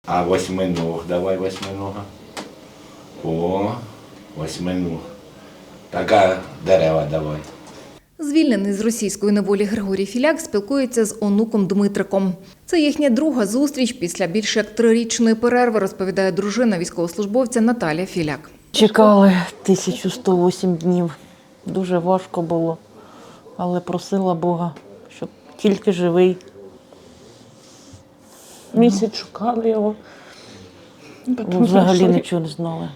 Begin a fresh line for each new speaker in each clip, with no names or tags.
А восьминог, давай восьминога. О, восьминог. Така дерева давай.
Звільнений з російської неволі Григорій Філяк спілкується з онуком Дмитриком. Це їхня друга зустріч після більш як 3-річної перерви, розповідає дружина військовослужбовця Наталя Філяк.
Чекали 1108 днів. Дуже важко було, але просила Бога, щоб тільки живий.
Місяць шукали його. Потім
Взагалі
знайшли.
нічого не знали.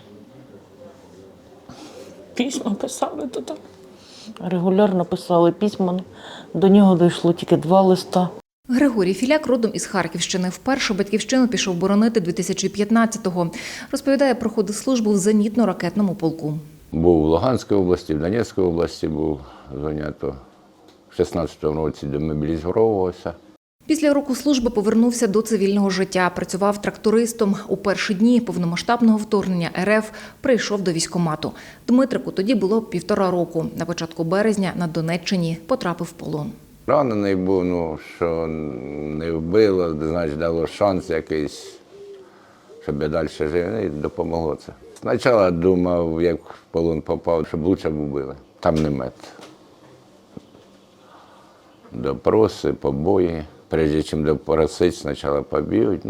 Письма писали туди.
Регулярно писали письма, до нього дійшло тільки 2 листа.
Григорій Філяк родом із Харківщини. Вперше батьківщину пішов боронити 2015-го. Розповідає, проходив службу в зенітно-ракетному полку.
Був в Луганській області, в Донецькій області був зайнято. В 16-му році демобілізувався.
Після року служби повернувся до цивільного життя. Працював трактористом. У перші дні повномасштабного вторгнення РФ прийшов до військкомату. Дмитрику тоді було 1,5 року. На початку березня на Донеччині потрапив в полон.
Ранений був, що не вбило, значить дало шанс якийсь, щоб я далі жив, і допомогло це. Спочатку думав, як в полон попав, щоб лучше б вбили. Там не мет. Допроси, побої. Прежде чим допросити, спочатку поб'ють.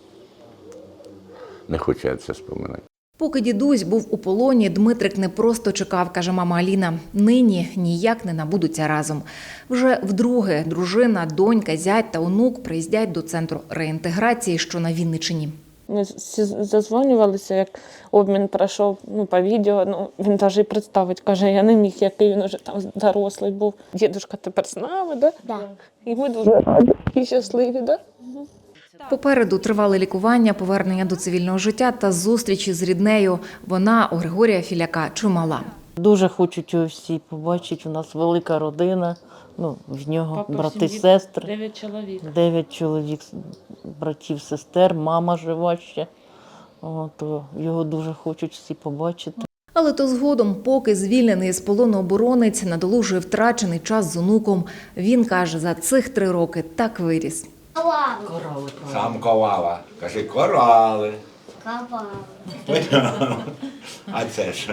Не хочу я це споминати.
Поки дідусь був у полоні, Дмитрик не просто чекав, каже мама Аліна. Нині ніяк не набудуться разом. Вже вдруге дружина, донька, зять та онук приїздять до центру реінтеграції, що на Вінниччині.
Ми зазвонювалися, як обмін пройшов по відео. Він навіть і представити, каже, я не міг, який він вже там дорослий був. Дідушка тепер з нами, да?
Да.
І ми дуже раді і щасливі, да?
Попереду тривале лікування, повернення до цивільного життя та зустрічі з ріднею. Вона у Григорія Філяка чимала.
Дуже хочуть його всі побачити. У нас велика родина, в нього брати, сестри.
9 чоловік.
9 чоловік, братів, сестер, мама жива ще. Його дуже хочуть всі побачити.
Але то згодом, поки звільнений з полону оборонець надолужує втрачений час з онуком, він каже, за цих 3 роки так виріс.
Корали.
Сам ковала. Кажи, корали.
Копал.
А це що?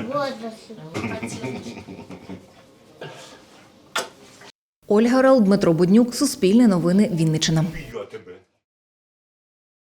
Ольга Орел, Дмитро Буднюк, Суспільне новини, Вінниччина.